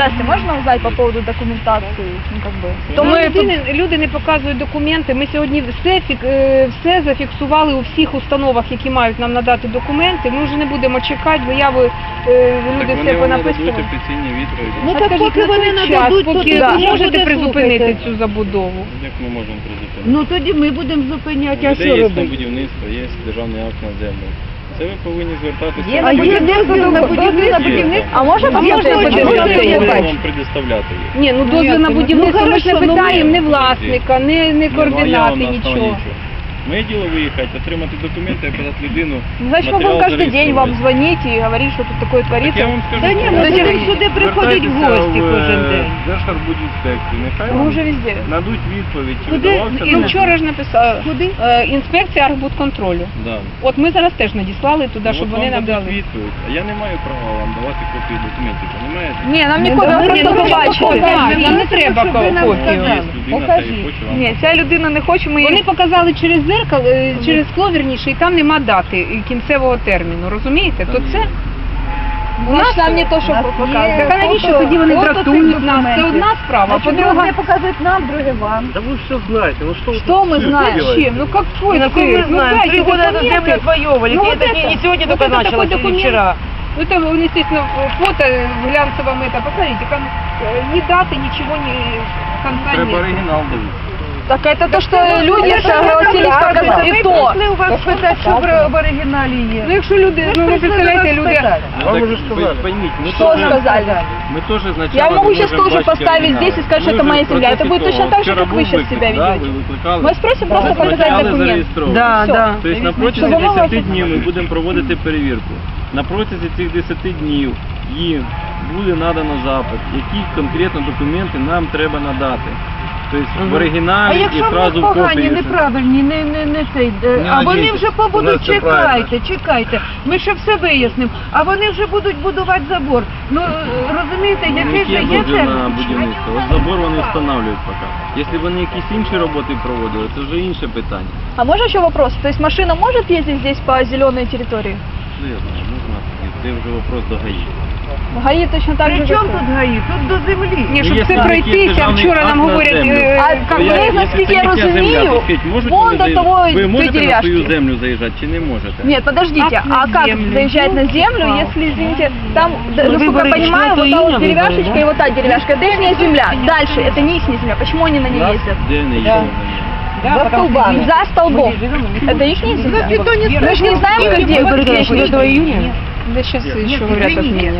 Здрасте, можно узнать по поводу документации? Ну, как бы. Люди не показують документи. Ми сьогодні все зафіксували у всіх установах, які мають нам надати документи. Ми вже не будемо чекати, заяви люди все понаписували. Офіційні відповіді. Ну так поки вони нададуть, поки ви можете призупинити цю забудову. Як ми можемо призупинити? Ну тоді ми будемо зупиняти, а що Є на робити? будівництво, є державний акт на землю. Це ви повинні звертатися. А є дозвіл на будівництво? А можно Є посмотреть? дозвіл. Ми бачу. вам предоставляти їх. Ні, ну дозвіл на будівництво, ми ж не хорошо, питаємо ні власника, ні координати, нічого. Моє діло виїхати, отримати документи, описати людину. Значит, мы будем каждый день вам звонить и говорить, что тут такое Так творится. я вам скажу, Та ні, ми будемо сюди приходити в гості кожен день. Держарбудінспекцію, нехай Мы вам уже везде. надуть відповідь, чи Куди? видавався Ну дозвіл. вчора ж написали. Куди? Інспекція архбудконтролю. Да. От ми зараз теж надіслали туди, щоб От вони вам нам дадуть дали. відповідь. А я не маю права вам давати копії документів, розумієте? Не, нам не Ну, копия, давай, просто ну, побачити. Так, нам не треба щоб ви нам копію. сказали. Є людина, Покажіть. та й хоче вам. Ні, ця людина не хоче, ми Вони показали через зеркало, через скло, вірніше, і там нема дати і кінцевого терміну, розумієте? То це нам не то, що показує. так а навіщо тоді вони дратують нас? Це одна справа, а по-друге, показують нам, друге вам. Да вы все знаете, ну что вы Что мы знаем? чим? Ну какой Ну, ты? мы знаем, 3 года эту землю отвоевывали, Ну, и вот это это, не сегодня вот только это началось, такой или документ. вчера. Ну там, естественно, фото глянцевом это, посмотрите, там ни даты, ничего, ни конца Треба нет. оригінал дивитися. Так это то, что люди согласились показать. И то. Ми у вас питати, що в оригіналі є. Ну якщо люди, ну ви представляєте, люди... Вам Так, уже сказали. пойміть, ми Что теж- сказали? Ми теж значало Я могу не сейчас можемо тоже бачити поставить оригінали. здесь и сказать, Ми что это вже моя в земля. Это процесі будет точно того. так же, Вчора как вы був сейчас виклик, себя да, ведете. ви викликали. Мы спросим просто Вас показать почали документ. зареєстровувати. Да, Всё. да. Тобто на протязі Щоб воно 10 вас- днів ми будемо проводити перевірку. На протязі цих 10 днів їм буде надано запит, які конкретно документи нам треба надати. Тобто в А оригіналі і якщо в одразу них в погані, копії. неправильні, не цей, а вони надійтесь, вже у побудуть, нас це правильно. чекайте, ми ще все вияснимо, а вони вже будуть будувати забор. Ну, розумієте, який же Є є дозвіл на термін? будівництво. От забор вони встановлюють поки. Якщо вони якісь інші роботи проводили, це вже інше питання. А можно еще вопрос? То есть машина может ездить здесь по зеленой территории? Ну, я знаю, можна. Це вже вопрос до ГАІ. ГАИ точно так же. При чому как- тут ГАІ? Тут до землі. Ні, щоб Є це якийсь пройтися, державний вчора акт нам на говорять, землю. А як как Я- вы, якщо насколько це я їхня земля, разумею, то скажіть, можете вон ви до заїжджати? того Ви можете на свою деревяшки. землю заїжджати чи не можете? Нет, подождите, Акт на а как землю. заезжать на землю, если, извините, там, насколько я понимаю, вот та вот деревяшечка и вот та деревяшка, это их земля. Дальше, это не их земля, почему они на ней ездят? Де не є? За столбами. За столбом. Это их земля? Мы же не знаем, где июня. Да сейчас еще говорят, отменят.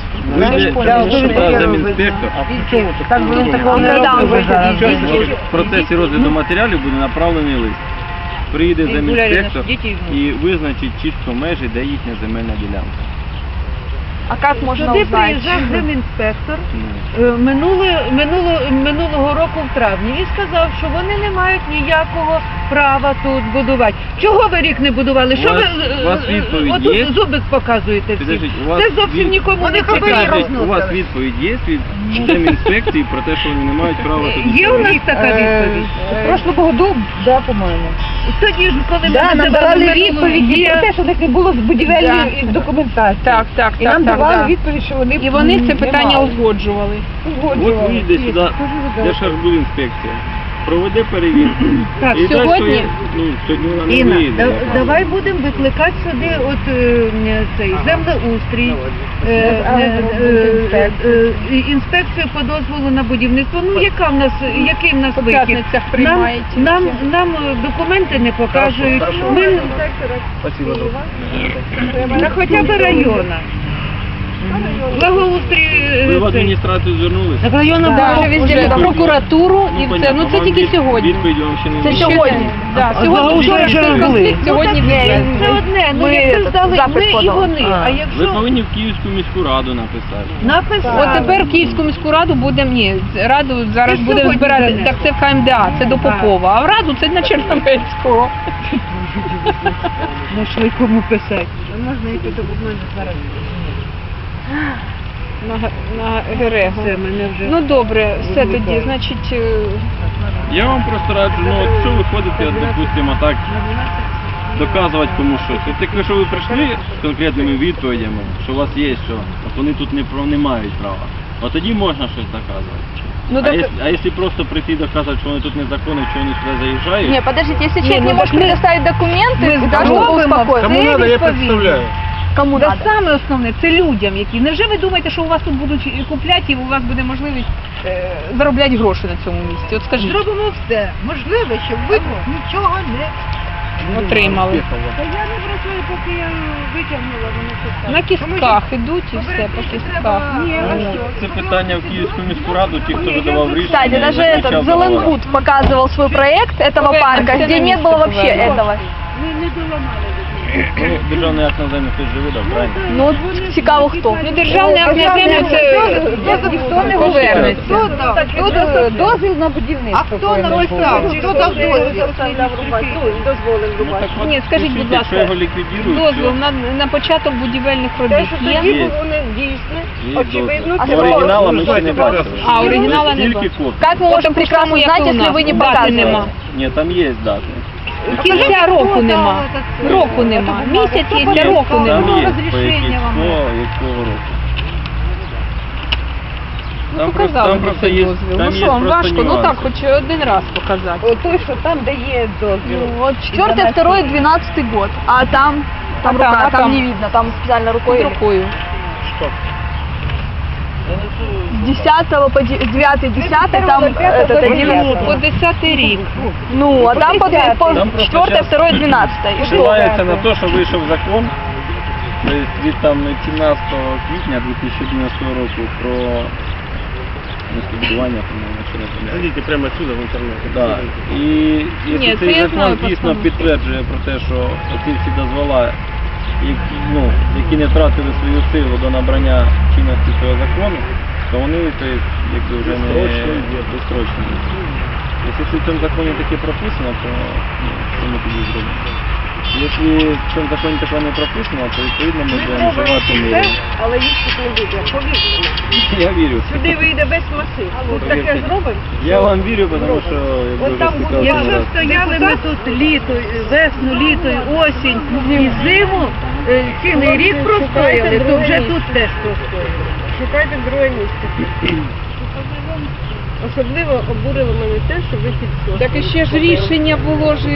Замінспектор. Так ви такого не Да, робили зараз. В процесі розгляду матеріалів буде направлений лист. Приїде замінспектор і визначить чітко межі, де їхня земельна ділянка. А как можно Сюди узнать? приїжджав земінспектор Ну, минулого року в травні і сказав, що вони не мають ніякого права тут будувати. Чого ви рік не будували? Що У вас відповідь отут є? зубик показуєте всі. Підождіть, у вас Це зовсім нікому не Підождіть, цікаво. у вас відповідь є від земінспекції про те, що вони не мають права тут Є у нас будувати? така відповідь? Прошлого году, да, по-моему. Тоді ж, коли ми Да, нам називали давали відповіді є. про те, що в них не було будівельної документації. Так, І нам давали да. відповідь, що вони І вони це не питання мали. узгоджували. От вийде сюди Держарбудінспекція, проведе перевірку. Так, І дасть сьогодні- свої- ну, сьогодні вона не Інна, вийде. давай будемо викликати сюди цей землеустрій, інспекцію по дозволу на будівництво. Ну який в нас По вихід? п'ятницях приймають. Нам документи не покажуть. Ми Спасибо. на хоча б района. Благоустрій Ви в цей. адміністрацію звернулися? Так районна Да, була вже Відповідь в прокуратуру і Ну, все. Ну це понятно, тільки вам сьогодні. Відповідь вам ще не Це вийшла. сьогодні. Да, сьогодні вчора вже цей були. конфлікт, сьогодні Це відвезли. одне, ну Ми якби здали запит ми і подали. вони. А Ви якщо повинні в Київську міську раду написати. написали. От тепер в Київську міську раду будемо, ні, раду зараз Це будемо сьогодні збирати, занесли. так це в КМДА, це до Попова, а в раду це на Черномецького. Знайшли кому писати. На Герего. Все, мене вже... Ну добре, все тоді, значить, Я вам просто раджу, ну от що ви ходите, от, допустимо, так, доказувати комусь щось. От якщо ви прийшли з конкретними відповідями, що у вас є що, от вони тут не мають права. От тоді можна щось доказувати. Ну, так... А якщо просто прийти і доказувати, що вони тут незаконні, що вони сюди заїжджають, Не, подождите, если Не, человек ну не может так мы- предоставить документы, мы да, чтобы робимо, успокоиться. Кому надо, я представляю. Кому Це надо? саме основне, це людям, які. Невже ви думаєте, що у вас тут будуть купляти і у вас буде можливість заробляти гроші на цьому місці? От скажіть, Зробимо все можливе, щоб ви нічого не отримали. Та я не працюю, поки я витягнула, вони все На кістках ідуть і все по кістках. Ні, а що? це питання в Київську міську раду, ті, хто видавав рішення. Кстати, даже і этот заключав договори. Зеленбуд показывал свой проект этого Повернемся парка, где на не место, было вообще повернемся. этого. Ми не доламали. Ну, державний акт на землю хтось же видав, правильно? Ну, от цікаво хто. Ну, державний акт на землю це ніхто не повернеться. Тут дозвіл на будівництво. А хто написав? Хто дав дозвіл? Ні, скажіть, будь Якщо його ласка, ліквідують, дозвіл на початок будівельних робіт є? є очевидно, дозвіл. це Оригінала ми ще не бачили. А, оригінала не Тільки бачили. копії. Как мы можем прекрасно Тому, як знать, і у если нас. вы не Дати показываете? нема. Ні, там є дати. Кінця року нема. Року нема. Місяць є, а року Там нема. є, по якого року. Там Показали там просто є, дозвіл. там Ну є що вам просто важко? Ну нюанси. так, хоч один раз показати. Той, що там, де є дозвіл. Вот 4, 2, 12 год. А там рука, там не видно, там специально рукой. Під рукою. С 10 по 9, 10 там этот 11. По 10-й рік. Ну, а там по Там просто 4, щас 2, 12. И что? Посилається на те, що вийшов закон від там 17 квітня 2011 року про містобудування, по-моєму, що не помиляюсь. Зайдите прямо отсюда в интернет. Да. І Ні, якщо це цей я закон знаю, дійсно постанову. підтверджує про те, що ці всі дозвола, які не втратили свою силу до набрання чинності цього закону, то вони якби вже не безстрочні. Якщо в цьому законі таке прописано, то що ми тоді зробимо? Якщо в цьому законі такого не прописано, то відповідно ми будемо вживати міри. Але їх тут не буде, повірте. Я вірю. Сюди вийде весь масив. Тут таке зробимо. Я вам вірю, тому що якби вже стикався не Якщо раз. стояли ми тут літо, весну, літо, осінь і зиму, цілий рік простояли, то вже тут теж простояли. Шукайте друге місце. Особливо обурило мене те, що ви підсохли. Так і ще ж рішення було ж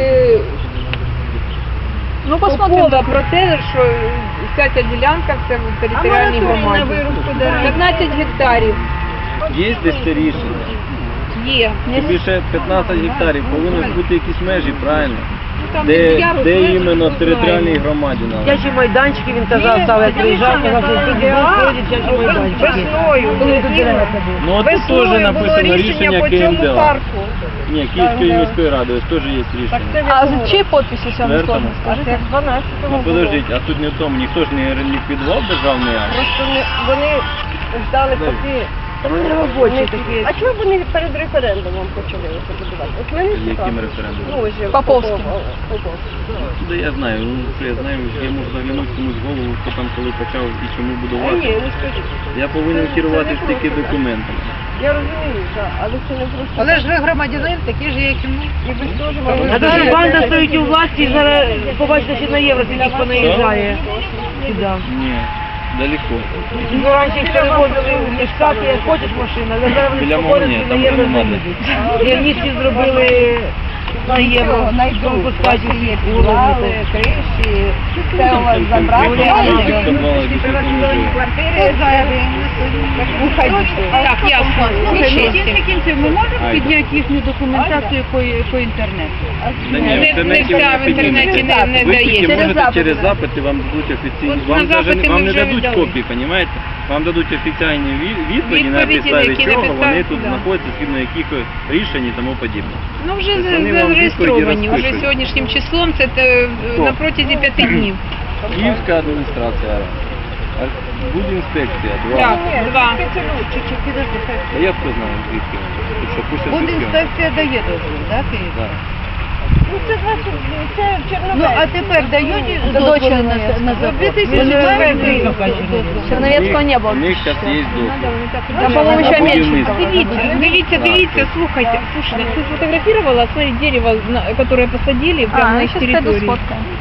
Ну, посмотрим. Попова про те, що вся ця ділянка це в територіальній громаді. 15 гектарів Є десь це рішення. є. Тим більше 15 гектарів, повинні ж бути якісь межі, правильно? Там Де ярус, іменно ми територіальній знаємо. громаді надо. Дитячі майданчики, він казав, став, як приїжджав, казав, що тут будуть дитячі майданчики. Весною. Ну от тут теж написано рішення КМДА. Ні, Київської міської ради, ось теж є рішення. А за чьей подписью, если вам не Четвертому. сложно скажите? Ну подождіть, а тут не в тому, ніхто ж не ліквідував державний акт. Просто вони ждали поки робочі такі. А чого вони перед референдумом почали це будувати? От мене Яким референдумом? Ну, ось же Поповським. Поповським. Туди я знаю, ну що я знаю, я можу заглянути комусь в голову, хто там коли почав і чому А ні, будувати. не скажіть. Я повинен Це керуватися не тільки просто. документами. Я розумію, так, але це не просто. Але ж ви громадянин, такі ж, як і ми. І ви теж А маєте. то, що банда стоїть у власті, зараз побачите, що на євро скільки понаїжджає. Сюди. Ні, далеко. Ну, раніше їх перевозили в Штати, як хочеш машина, але зараз вони Біля спокійно Молнії, на там євро нема заїдуть. І в місті зробили на євро, пропускають усі вулиці. криші, Це у вас забрали, Так, ясно. Кінці кінців ми можемо Айда. підняти їхню документацію по інтернету? Не вся в інтернеті не Ви тільки дається. можете через запити, вам дадуть офіційні, От вам, на даже, запити вам ми не вже дадуть віддали. копії, розумієте? Вам дадуть офіційні відповіді, на Відповіді, підставі які чого написали, вони тут да. знаходяться, згідно яких рішень і тому подібне. Ну вже Тобто вони вам зареєстровані, відповіді вже розпишуть. сьогоднішнім числом, це Хто? на протязі 5 днів. Київська адміністрація, будінспекція, 2. Так, 2. А я хто знаю, звідки вони? Тут що, пусть Будінспекція дає дозвіл, так? Да. Ну це значить, це Черновець. Ну а тепер дають До дозвіл Черновецького. на завод? Черновецкого не было. У них зараз є дозвіл. Там, по-моему, еще Амельченко. Дивіться, слухайте, ты сфотографировала, смотри, дерево, которое посадили прямо на их сейчас пойду территории. сфоткаем.